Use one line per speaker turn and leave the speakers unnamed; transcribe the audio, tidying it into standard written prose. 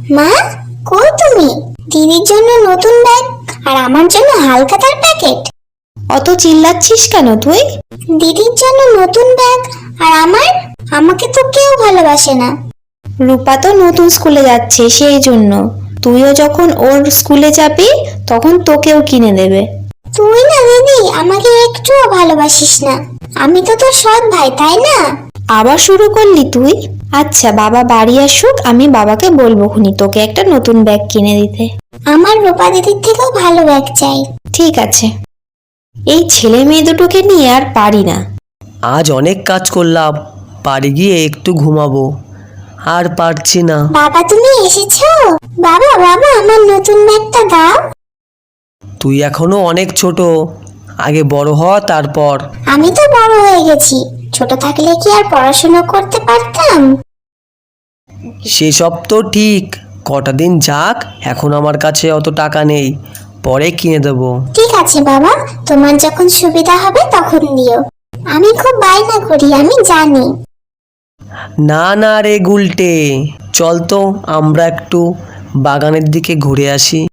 মা, কই তুমি? দিদির জন্য নতুন ব্যাগ আর আমার জন্য হালখাতার প্যাকেট।
অত চিল্লাচ্ছিস কেন তুই?
দিদির জন্য নতুন ব্যাগ আর আমাকে তো কেউ ভালোবাসে না।
রূপা তো নতুন স্কুলে যাচ্ছে, সেই জন্য। তুইও যখন ওর স্কুলে যাবি তখন তোকেও কিনে দেবে।
তুই না দিদি আমাকে একটুও ভালোবাসিস না। আমি তো তোর সৎ ভাই, তাই না?
আবার শুরু করলি তুই? আচ্ছা, বাবা বাড়ি আসুক, আমি বাবাকে বলবো খুনি তোকে একটা নতুন ব্যাগ কিনে দিতে।
আমার রূপা দিদির থেকেও ভালো ব্যাগ চাই।
ঠিক আছে। এই ছেলে মেয়ে দুটোকে নিয়ে আর পারি না।
আজ অনেক কাজ করলাম, বাড়ি গিয়ে একটু ঘুমাবো, আর পারছি না।
বাবা, তুমি এসেছো? বাবা বাবা, আমার নতুন ব্যাগটা দাও।
তুই এখনো অনেক ছোট, আগে বড় হ তারপর।
আমি তো বড় হয়ে গেছি, ছোট থাকলে কি আর পড়াশোনা করতে পারতাম?
সেসব তো ঠিক, কটা দিন যাক, এখন আমার কাছে অত টাকা নেই, পরে কিনে দেবো।
ঠিক আছে বাবা, তোমার যখন সুবিধা হবে তখন দিও। আমি খুব বায়না করি, আমি জানি।
না না রে গুলটে, চল তো আমরা একটু বাগানের দিকে ঘুরে আসি।